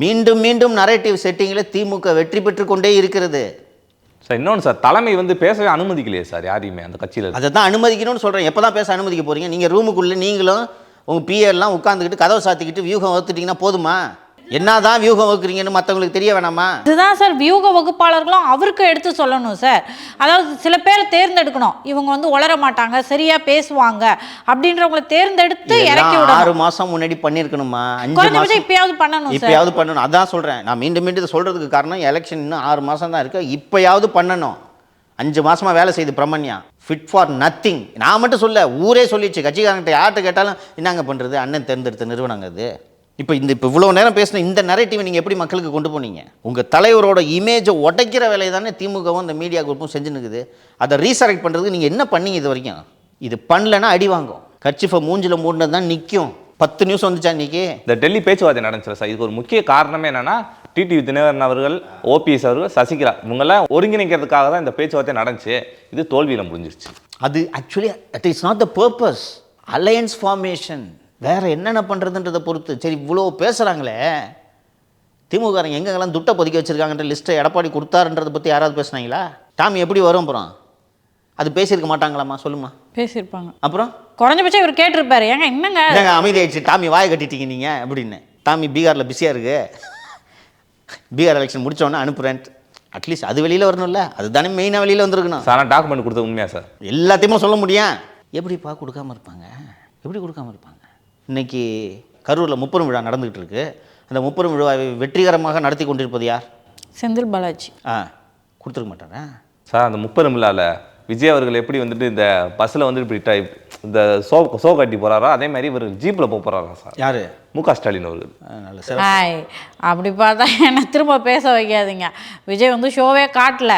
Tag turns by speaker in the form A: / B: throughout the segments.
A: மீண்டும் மீண்டும் நரேட்டிவ் செட்டிங்கில் திமுக வெற்றி பெற்று கொண்டே இருக்கிறது.
B: சார் இன்னொன்று சார், தலைமை வந்து பேசவே அனுமதிக்கலையே சார் யாரையுமே அந்த கட்சியில்.
A: அதை தான் அனுமதிக்கணும்னு சொல்கிறேன். எப்போ தான் பேச அனுமதிக்க போகிறீங்க? நீங்கள் ரூமுக்குள்ளே நீங்களும் உங்கள் பிஏலாம் உட்காந்துக்கிட்டு கதவை சாத்திக்கிட்டு வியூகம் வகுத்துட்டிங்கன்னா போதுமா? என்னதான் வியூகம் வகுக்கிறீங்கன்னு மற்றவங்களுக்கு தெரிய வேணாமா?
C: இதுதான் சார் வியூக வகுப்பாளர்களும் அவருக்கு எடுத்து சொல்லணும் சார். அதாவது சில பேரை தேர்ந்தெடுக்கணும், இவங்க வந்து உளர மாட்டாங்க, சரியா பேசுவாங்க அப்படின்றவங்களை தேர்ந்தெடுத்து இறக்கி விடணும்.
A: 6 மாதம் முன்னாடி பண்ணியிருக்கணுமா? 5 மாதம்
C: இப்பயாவது பண்ணணும்,
A: இப்பயாவது பண்ணணும். அதான் சொல்கிறேன். நான் மீண்டும் மீண்டும் இதை சொல்கிறதுக்கு காரணம் எலெக்ஷன் இன்னும் 6 மாதம் தான் இருக்குது. இப்பயாவது பண்ணணும். 5 மாதமாக வேலை செய்து பிரமண்யா ஃபிட் ஃபார் நத்திங். நான் மட்டும் சொல்ல, ஊரே சொல்லிடுச்சு. கட்சிக்காரங்கிட்ட யார்கிட்ட கேட்டாலும் என்னங்க பண்ணுறது, அண்ணன் தேர்ந்தெடுத்த நிறுவனங்க அது. இப்போ இவ்வளோ நேரம் பேசின இந்த நரேட்டிவை நீங்கள் எப்படி மக்களுக்கு கொண்டு போனீங்க? உங்கள் தலைவரோட இமேஜை உடைக்கிற வேலையை தானே திமுகவும் இந்த மீடியா குரூப்பும் செஞ்சு நிற்குது. அதை ரீசரெக்ட் பண்ணுறதுக்கு நீங்கள் என்ன பண்ணீங்க இது வரைக்கும்? இது பண்ணலன்னா அடி வாங்கும். கட்சிஃபை மூஞ்சில் மூடினது தான் நிற்கும். 10 நியூஸ் வந்துச்சா இன்றைக்கி?
B: இந்த டெல்லி பேச்சுவார்த்தை நடந்துச்சு சார். இதுக்கு ஒரு முக்கிய காரணமே என்னென்னா, டிடிவி தினகரன் அவர்கள், ஓபிஎஸ் அவர்கள், சசிகலா இவங்கெல்லாம் ஒருங்கிணைக்கிறதுக்காக தான் இந்த பேச்சுவார்த்தை நடந்துச்சு. இது தோல்வியில் முடிஞ்சிருச்சு.
A: அது actually that is not the purpose. Alliance formation வேறு என்னென்ன பண்ணுறதுன்றதை பொறுத்து. சரி, இவ்வளோ பேசுகிறாங்களே, திமுககாரங்க எங்கெங்கெல்லாம் துட்டை பொதுக்கி வச்சுருக்காங்கன்ற லிஸ்ட்டை எடப்பாடி கொடுத்தாருன்றதை பற்றி யாராவது பேசுனாங்களா? டாமி எப்படி வரும் அப்புறம்? அது பேசியிருக்க மாட்டாங்களாம்மா? சொல்லுமா?
C: பேசியிருப்பாங்க.
A: அப்புறம்
C: குறைஞ்சபட்சம் இவர் கேட்டிருப்பாரு, ஏங்க என்னங்க
A: என்னங்க அமைதி ஆயிடுச்சு, டாமி வாயை கட்டிட்டீங்க நீங்கள் அப்படின்னு. டாமி பீகாரில் பிஸியாக இருக்கு, பீகார் எலெக்ஷன் முடித்தோன்னே அனுப்புகிறேன். அட்லீஸ்ட் அது வெளியில் வரணும்ல, அதுதானே மெயினாக வெளியில் வந்துருக்கணும்.
B: சார் டாக்குமெண்ட் கொடுத்தது உண்மையா சார்?
A: எல்லாத்தையுமே சொல்ல முடியும். எப்படிப்பா கொடுக்காமல் இருப்பாங்க? எப்படி கொடுக்காமல் இருப்பாங்க? இன்றைக்கி கரூரில் முப்பெரும் விழா நடந்துகிட்டு இருக்கு. அந்த முப்பெரும் விழாவை வெற்றிகரமாக நடத்தி கொண்டிருப்பது யார்?
C: செந்தில் பாலாஜி.
A: கொடுத்துருக்க மாட்டாரா
B: சார்? அந்த முப்பெரும் விழாவில் விஜய் அவர்கள் எப்படி வந்துட்டு இந்த பஸ்ஸில் வந்து இப்படி இந்த சோ கட்டி போகிறாரோ, அதே மாதிரி இவர் ஜீப்பில் போகிறாரா சார்?
A: யார்?
B: முக ஸ்டாலின் அவர்கள்.
A: நல்ல சார்.
C: அப்படி பார்த்தா என்ன திரும்ப பேச வைக்காதீங்க. விஜய் வந்து ஷோவே காட்டல,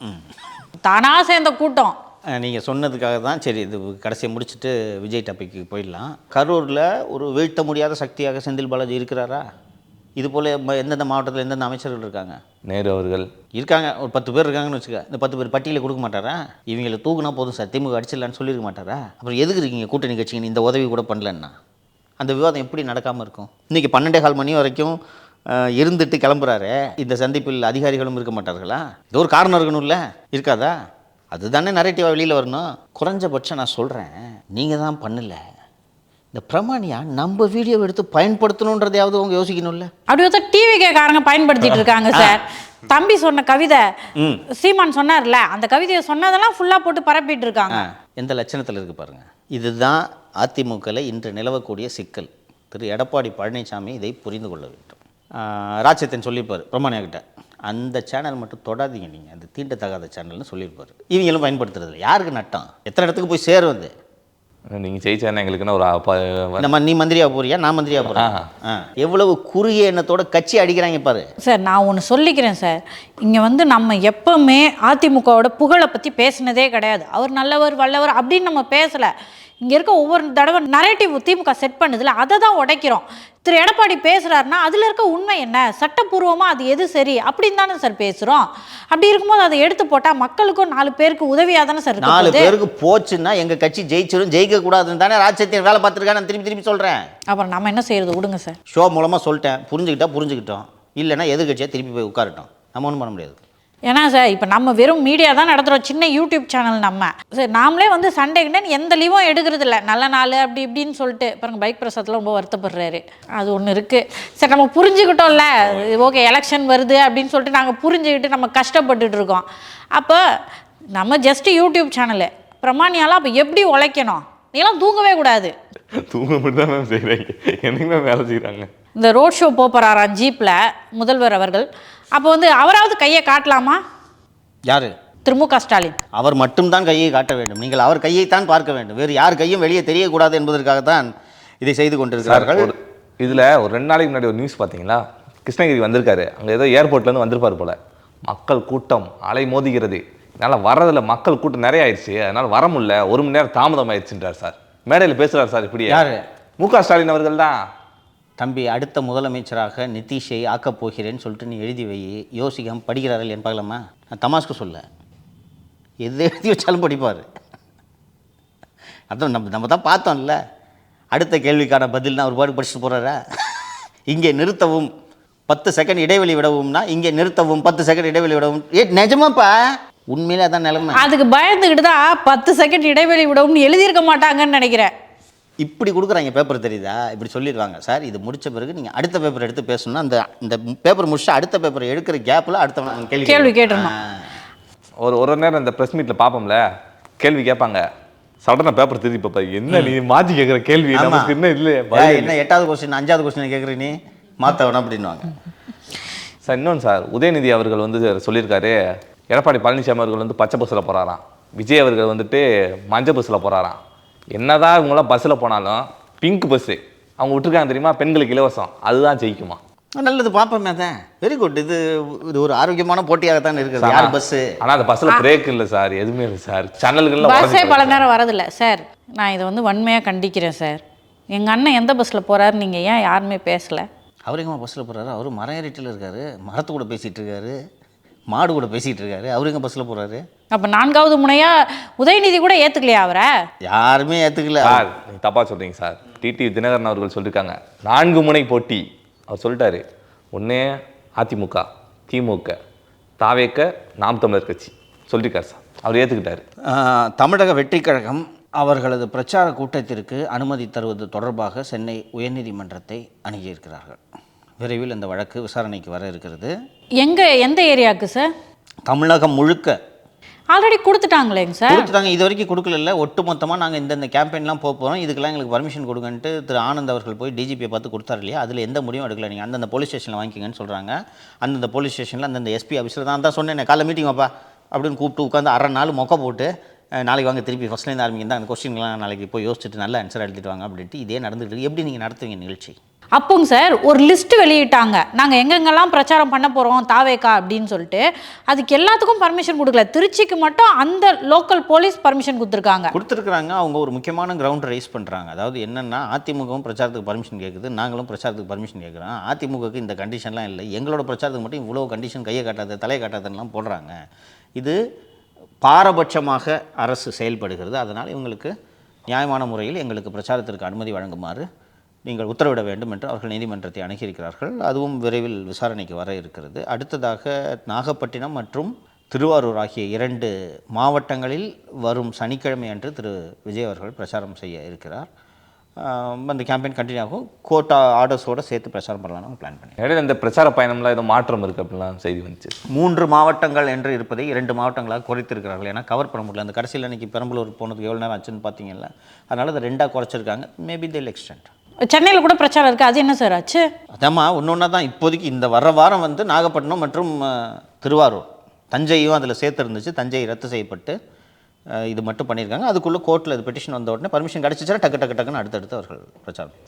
C: தானா சேர்ந்த கூட்டம்.
A: நீங்கள் சொன்னதுக்காக தான் சரி இது கடைசியை முடிச்சுட்டு விஜய் டாபிக்கு போயிடலாம். கரூரில் ஒரு வீழ்த்த முடியாத சக்தியாக செந்தில் பாலாஜி இருக்கிறாரா? இது போல் எந்தெந்த மாவட்டத்தில் எந்தெந்த அமைச்சர்கள் இருக்காங்க?
B: நேரு அவர்கள்
A: இருக்காங்க. ஒரு 10 பேர் இருக்காங்கன்னு வச்சுக்க. இந்த 10 பேர் பட்டியலை கொடுக்க மாட்டாரா? இவங்களை தூக்குனா போதும் சார், திமுக அடிச்சிடலான்னு சொல்லியிருக்க மாட்டாரா? அப்புறம் எதுக்கு இருக்கீங்க கூட்டணி கட்சிங்க இந்த உதவி கூட பண்ணலன்னா? அந்த விவாதம் எப்படி நடக்காமல் இருக்கும்? இன்றைக்கி 12:15 மணி வரைக்கும் இருந்துட்டு கிளம்புறாரு. இந்த சந்திப்பில் அதிகாரிகளும் இருக்க மாட்டார்களா? இது ஒரு காரணம் இருக்கணும்ல, இருக்காதா? அதுதானே நரேட்டிவாக வெளியில் வரணும். குறைஞ்சபட்சம் நான் சொல்கிறேன், நீங்கள் தான் பண்ணல, இந்த பிரமாணியா நம்ம வீடியோ எடுத்து பயன்படுத்தணுன்றதையாவது அவங்க யோசிக்கணும்ல.
C: அப்படி வந்து டிவி காரங்க பயன்படுத்திட்டு இருக்காங்க சார். தம்பி சொன்ன கவிதை சீமான் சொன்னார்ல, அந்த கவிதையை சொன்னதெல்லாம் ஃபுல்லாக போட்டு பரப்பிட்டு இருக்காங்க.
A: எந்த லட்சணத்தில் இருக்குது பாருங்கள். இதுதான் அதிமுகவில் இன்று நிலவக்கூடிய சிக்கல். திரு எடப்பாடி பழனிசாமி இதை புரிந்து கொள்ள வேண்டும். ராஜ்யத்தின் சொல்லியிருப்பார் பிரமாணியா கிட்ட, அந்த சேனல் மட்டும் தொடாதீங்க நீங்கள், அந்த தீண்டத்தகாத சேனல்னு சொல்லியிருப்பார். இவங்களும் பயன்படுத்துறது யாருக்கு நட்டம்? எத்தனை இடத்துக்கு போய் சேரும்? வந்து
B: நீங்கள் ஜெயிச்சா எங்களுக்குன்னா ஒரு
A: நம்ம நீ மந்திரியாக போறியா, நான் மந்திரியாக போகிறேன். எவ்வளவு குறுகிய எண்ணத்தோட கட்சி அடிக்கிறாங்க பாரு
C: சார். நான் ஒன்று சொல்லிக்கிறேன் சார், இங்கே வந்து நம்ம எப்பவுமே அதிமுகவோட புகழை பற்றி பேசினதே கிடையாது. அவர் நல்லவர் வல்லவர் அப்படின்னு நம்ம பேசலை. இங்கே இருக்க ஒவ்வொரு தடவை நரேட்டிவ் திமுக செட் பண்ணுதில்ல, அதை தான் உடைக்கிறோம். திரு எடப்பாடி பேசுகிறாருன்னா அதில் இருக்க உண்மை என்ன, சட்டப்பூர்வமாக அது எது சரி அப்படின்னு தானே சார் பேசுகிறோம். அப்படி இருக்கும்போது அதை எடுத்து போட்டால் மக்களுக்கும் 4 பேருக்கு உதவியாக தானே சார்?
A: 4 பேருக்கு போச்சுன்னா எங்கள் கட்சி ஜெயிச்சிடும், ஜெயிக்கக்கூடாதுன்னு தானே ராஜ்யத்தின் வேலை பார்த்துருக்கான்னு நான் திருப்பி சொல்கிறேன்.
C: அப்புறம் நம்ம என்ன செய்யறது? விடுங்க சார்.
A: ஷோ மூலமாக சொல்லிட்டேன், புரிஞ்சுக்கிட்டோம். இல்லைன்னா எதிர்கட்சியாக திருப்பி போய் உட்காரட்டும், நம்ம ஒன்றும் பண்ண முடியாது.
C: ஏன்னா சார், இப்போ நம்ம வெறும் மீடியா தான் நடத்துகிறோம், சின்ன யூடியூப் சேனல். நம்ம சரி நாமளே வந்து சண்டேக்குன்னு எந்த லீவும் எடுக்கிறது இல்லை, நல்ல நாள் அப்படி இப்படின்னு சொல்லிட்டு. பாருங்க பைக் பிரசாத்தில் ரொம்ப வருத்தப்படுறாரு, அது ஒன்று இருக்குது. சரி நம்ம புரிஞ்சுக்கிட்டோம்ல, ஓகே எலெக்ஷன் வருது அப்படின்னு சொல்லிட்டு நாங்கள் புரிஞ்சுக்கிட்டு நம்ம கஷ்டப்பட்டுட்டு இருக்கோம். அப்போ நம்ம ஜஸ்ட் யூடியூப் சேனலு பிரமாணியாலாம் அப்போ எப்படி உழைக்கணும்? நீலாம் தூங்கவே கூடாது.
B: தூங்க மட்டும் தான் மேம் செய்கிறாங்க, என்னைக்குமே வேலை செய்கிறாங்க.
C: இந்த ரோட் ஷோ போகிறாராம் ஜீப்பில் முதல்வர் அவர்கள். அப்போ வந்து அவராவது கையை காட்டலாமா?
A: யார்?
C: திரு மு க ஸ்டாலின்.
A: அவர் மட்டும்தான் கையை காட்ட வேண்டும். நீங்கள் அவர் கையைத்தான் பார்க்க வேண்டும், வேறு யார் கையும் வெளியே தெரியக்கூடாது என்பதற்காகத்தான் இதை செய்து கொண்டிருக்கிறார்கள்.
B: இதில் ஒரு 2 நாளைக்கு முன்னாடி ஒரு நியூஸ் பார்த்தீங்களா? கிருஷ்ணகிரி வந்திருக்காரு, அங்கே ஏதோ ஏர்போர்ட்லேருந்து வந்திருப்பார் போல். மக்கள் கூட்டம் அலை மோதுகிறது, என்னால் வர்றதில் மக்கள் கூட்டம் நிறைய ஆயிடுச்சு, அதனால் வர முடியல, 1 மணி நேரம் தாமதம் ஆயிடுச்சுன்றார் சார். மேடையில் பேசுகிறார் சார். இப்படி யார்? மு க ஸ்டாலின் அவர்கள் தான்.
A: தம்பி, அடுத்த முதலமைச்சராக நிதிஷை ஆக்கப் போகிறேன்னு சொல்லிட்டு நீ எழுதி வை, யோசிக்காமல் படிக்கிறார்கள் என் பார்க்கலாமா? நான் தமாஸ்க்கு சொல்ல, எது எழுதி வச்சாலும் படிப்பார். அதான் நம்ம தான் பார்த்தோம்ல. அடுத்த கேள்விக்கான பதில் தான் ஒரு பாடு படிச்சுட்டு போகிறாரா? இங்கே நிறுத்தவும் 10 செகண்ட் இடைவெளி விடவும்னா இங்கே நிறுத்தவும் 10 செகண்ட் இடைவெளி விடவும். நிஜமாப்பா, உண்மையிலே அதான் நிலைமை.
C: அதுக்கு பயந்துக்கிட்டு தான் 10 செகண்ட் இடைவெளி விடவும்னு எழுதியிருக்க மாட்டாங்கன்னு நினைக்கிறேன்.
A: இப்படி கொடுக்குறாங்க பேப்பர், தெரியுதா? இப்படி சொல்லிடுவாங்க, சார் இது முடிச்ச பிறகு நீங்கள் அடுத்த பேப்பர் எடுத்து பேசணும்னா இந்த பேப்பர் முடிச்சு அடுத்த பேப்பர் எடுக்கிற கேப்பில் அடுத்த
C: கேள்வி கேட்டுருணும்.
B: ஒரு நேரம் இந்த ப்ரெஸ் மீட்டில் பார்ப்போம்ல, கேள்வி கேட்பாங்க, சடனாக பேப்பர் திருப்பி பார்ப்பா, என்ன நீ மாற்றி கேட்குற கேள்வி நமக்கு என்ன இல்லை,
A: என்ன 8வது கொஸ்டின் 5வது கொஸ்டின் கேட்குற நீ மாற்ற வேணாம் அப்படின்வாங்க.
B: சார் இன்னொன்று சார், உதயநிதி அவர்கள் வந்து சொல்லியிருக்காரு, எடப்பாடி பழனிசாமி அவர்கள் வந்து பச்சை பஸ்ஸில் போகிறாராம், விஜய் அவர்கள் வந்துட்டு மஞ்சள் பஸ்ஸில் போகிறாராம். என்னதான் இவங்களாம் பஸ்ஸில் போனாலும் பிங்க் பஸ்ஸு அவங்க விட்டுருக்காங்க தெரியுமா, பெண்களுக்கு இலவசம், அதுதான் ஜெயிக்குமா?
A: நல்லது, பார்ப்போமே. தான் வெரி குட். இது ஒரு ஆரோக்கியமான போட்டியாகத்தான் இருக்குது. யார் பஸ்ஸு?
B: ஆனால் அந்த பஸ்ஸில் பிரேக் இல்லை சார், எதுவுமே இல்லை சார், சேனல்கள்லாம்
C: பஸ்ஸே பல நேரம் வரதில்லை சார். நான் இதை வந்து வன்மையாக கண்டிக்கிறேன் சார். எங்கள் அண்ணன் எந்த பஸ்ஸில் போகிறாரு, நீங்கள் ஏன் யாருமே பேசலை?
A: அவர் எங்கம்மா பஸ்ஸில் போகிறாரு? அவர் மரம் ஏறிட்டில் இருக்காரு, மரத்து கூட பேசிகிட்டு இருக்காரு, மாடு கூட பேசிகிட்டு இருக்காரு. அவர் எங்கே பஸ்ஸில் போகிறாரு?
C: அப்போ 4வது முனையாக உதயநிதி கூட ஏற்றுக்கலையா அவரை?
A: யாருமே ஏற்றுக்கல
B: சார். நீங்கள் தப்பாக சொல்கிறீங்க சார். டிடிவி தினகரன் அவர்கள் சொல்லியிருக்காங்க 4 முனை போட்டி. அவர் சொல்லிட்டாரு, ஒன்று அதிமுக, திமுக, தாவேக்க, நாம் தமிழர் கட்சி சொல்லியிருக்காரு சார். அவர் ஏற்றுக்கிட்டாரு.
A: தமிழக வெற்றி கழகம் அவர்களது பிரச்சார கூட்டத்திற்கு அனுமதி தருவது தொடர்பாக சென்னை உயர்நீதிமன்றத்தை அணுகியிருக்கிறார்கள். விரைவில் இந்த வழக்கு விசாரணைக்கு வர இருக்கிறது.
C: எந்த ஏரியாவுக்கு சார்?
A: தமிழகம் முழுக்க
C: ஆல்ரெடி கொடுத்துட்டாங்களேங்க சார்.
A: கொடுத்துட்டாங்க. இது வரைக்கும் கொடுக்கல. ஒட்டுமொத்தமாக நாங்கள் இந்த கேம்பெயின்லாம் போகிறோம், இதுக்கெல்லாம் எங்களுக்கு பர்மிஷன் கொடுங்கன்ட்டு திரு ஆனந்த் அவர்கள் போய் டிஜிபியை பார்த்து கொடுத்தாரு இல்லையா? அதில் எந்த முடிவும் எடுக்கல. நீங்கள் அந்தந்த போலீஸ் ஸ்டேஷனில் வாங்கிக்கங்கன்னு சொல்கிறாங்க. அந்தந்த போலீஸ் ஸ்டேஷனில் அந்தந்த எஸ்பி ஆஃபீஸில் தான் சொன்னேன், காலைல மீட்டிங் வாப்பா அப்படின்னு கூப்பிட்டு உட்காந்து அரை நாள் மொக்க போட்டு, நாளைக்கு வாங்க திருப்பி ஃபஸ்ட்லேருந்து ஆரம்பிங்க தான், அந்த கொஸ்டின்லாம் நாளைக்கு போய் யோசிச்சுட்டு நல்ல ஆன்சர் எழுதிட்டு வாங்க அப்படின்ட்டு இதே நடந்துகிட்டு. எப்படி நீங்கள் நடத்துவீங்க நிகழ்ச்சி?
C: அப்போங்க சார் ஒரு லிஸ்ட் வெளியிட்டாங்க, நாங்கள் எங்கெங்கெல்லாம் பிரச்சாரம் பண்ண போகிறோம் தாவேக்கா அப்படின்னு சொல்லிட்டு. அதுக்கு எல்லாத்துக்கும் பர்மிஷன் கொடுக்கல. திருச்சிக்கு மட்டும் அந்த லோக்கல் போலீஸ் பர்மிஷன் கொடுத்துருக்காங்க.
A: அவங்க ஒரு முக்கியமான கிரவுண்ட் ரைஸ் பண்ணுறாங்க. அதாவது என்னென்னா, அதிமுகவும் பிரச்சாரத்துக்கு பர்மிஷன் கேட்குது, நாங்களும் பிரச்சாரத்துக்கு பர்மிஷன் கேட்குறோம். அதிமுகவுக்கு இந்த கண்டிஷன்லாம் இல்லை, எங்களோட பிரச்சாரத்துக்கு மட்டும் இவ்வளோ கண்டிஷன், கையை காட்டாத தலையை காட்டாதெல்லாம் போடுறாங்க. இது பாரபட்சமாக அரசு செயல்படுகிறது. அதனால் இவங்களுக்கு நியாயமான முறையில் எங்களுக்கு பிரச்சாரத்திற்கு அனுமதி வழங்குமாறு நீங்கள் உத்தரவிட வேண்டும் என்று அவர்கள் நீதிமன்றத்தை அணுகியிருக்கிறார்கள். அதுவும் விரைவில் விசாரணைக்கு வர இருக்கிறது. அடுத்ததாக நாகப்பட்டினம் மற்றும் திருவாரூர் ஆகிய 2 மாவட்டங்களில் வரும் சனிக்கிழமை அன்று திரு விஜய் அவர்கள் பிரச்சாரம் செய்ய இருக்கிறார். அந்த கேம்பெயின் கண்டினியூ ஆகும். கோர்ட் ஆர்டர்ஸோடு சேர்த்து பிரச்சாரம் பண்ணலாம்னு பிளான் பண்ணி.
B: இடையில இந்த பிரச்சார பயணம்லாம் ஏதோ மாற்றம் இருக்குது அப்படிலாம் செய்தி வந்துச்சு.
A: 3 மாவட்டங்கள் என்று இருப்பதை 2 மாவட்டங்களாக குறைத்திருக்கிறார்கள். ஏன்னா கவர் பண்ண முடியல. அந்த கடைசியில் அன்றைக்கி பெரம்பலூர் போனதுக்கு எவ்வளோ நேரம் ஆச்சுன்னு பார்த்தீங்கல்ல, அதனால் அதை 2ஆக குறைச்சிருக்காங்க. மேபி தில் எக்ஸ்டெண்ட்.
C: சென்னையில் கூட பிரச்சாரம் இருக்குது, அது என்ன சார் ஆச்சு?
A: அதாம்மா ஒன்று தான். இப்போதைக்கு இந்த வர வாரம் வந்து நாகப்பட்டினம் மற்றும் திருவாரூர், தஞ்சையும் அதில் சேர்த்துருந்துச்சு. தஞ்சை ரத்து செய்யப்பட்டு இது மட்டும் பண்ணியிருக்காங்க. அதுக்குள்ளே கோர்ட்டில் இது பெட்டிஷன் வந்த உடனே பர்மிஷன் கிடச்சிச்சுன்னா டக்கு டக்குன்னு அடுத்தடுத்து அவர்கள் பிரச்சாரம்